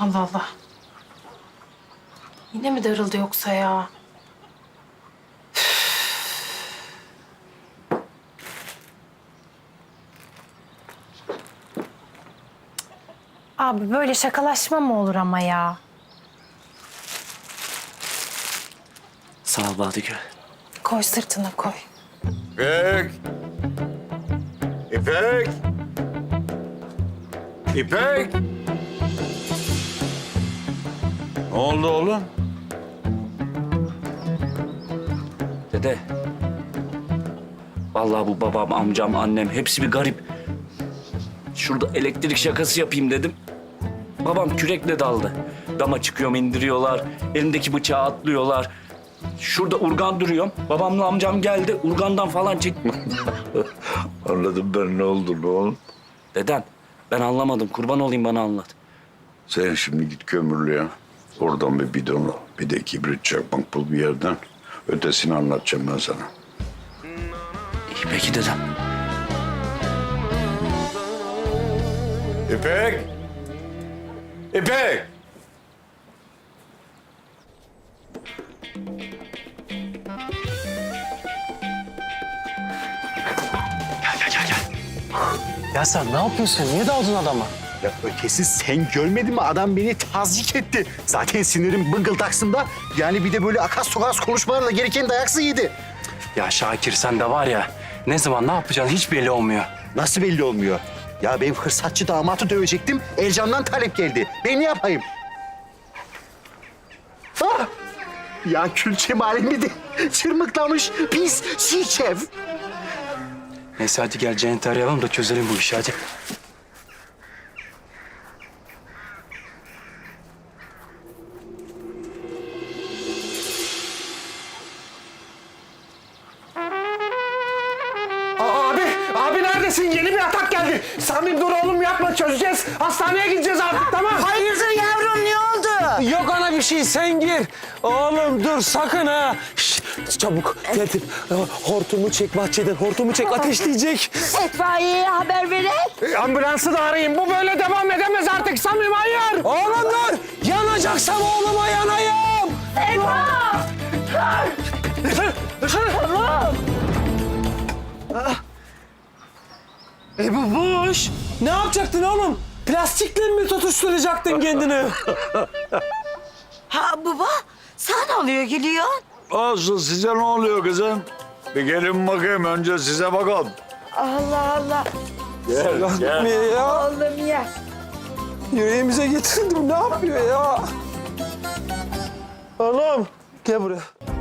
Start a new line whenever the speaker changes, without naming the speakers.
Allah Allah. Yine mi darıldı yoksa ya? Abi böyle şakalaşma mı olur ama ya?
Sağ ol Badıgül.
Koy sırtına koy.
İpek! İpek! İpek! Ne oldu oğlum?
Dede. Vallahi bu babam, amcam, annem hepsi bir garip. Şurada elektrik şakası yapayım dedim. Babam kürekle daldı. Dama çıkıyorum, indiriyorlar. Elimdeki bıçağı atlıyorlar. Şurada urgan duruyorum. Babamla amcam geldi. Urgandan falan çekti.
Anladım ben ne oldu oğlum.
Deden, ben anlamadım. Kurban olayım, bana anlat.
Sen şimdi git kömürlüğe. Oradan bir bidon al. Bir de kibrit çakmak bul bir yerden. Ötesini anlatacağım ben sana.
İyi peki dedem.
İpek! İpek!
Ya sen ne yapıyorsun? Niye daldın adama?
Ya ötesi sen görmedin mi? Adam beni tazyik etti. Zaten sinirim bıngıldaksında. Yani bir de böyle akas tokas konuşmalarla gereken dayaksı yedi.
Ya Şakir sen de var ya, ne zaman ne yapacağın hiç belli olmuyor.
Nasıl belli olmuyor? Ya ben fırsatçı damatı dövecektim. Ercan'dan talep geldi. Ben ne yapayım? Ah! Ya külçe malimi de çırmıklamış pis çiğ.
Neyse hadi gel Cennet'i arayalım da çözelim bu işi hadi.
Abi neredesin? Yeni bir atak geldi. Samim dur oğlum yapma çözeceğiz. Hastaneye gideceğiz artık tamam.
Hayırdır yavrum ne oldu?
Yok ana bir şey sen gir. Oğlum dur sakın ha. Şişt, çabuk tertip. Hortumu çek bahçeden hortumu çek ateşleyecek.
İtfaiyeye haber verin.
Ambulansı da arayın. Bu böyle devam edemez artık Samim hayır. Oğlum dur. Yanacaksam oğluma yanayım.
Eyvah!
Tamam. Bu boş. Ne yapacaktın oğlum? Plastikle mi tutuşturacaktın kendini?
Ha baba sen ne oluyor gülüyorsun?
Olsun size ne oluyor kızım? Bir gelin bakayım önce size bakalım.
Allah Allah.
Gel. Ya.
Oğlum ya.
Yüreğimize getirdim. Ne yapıyor ya? Oğlum gel buraya.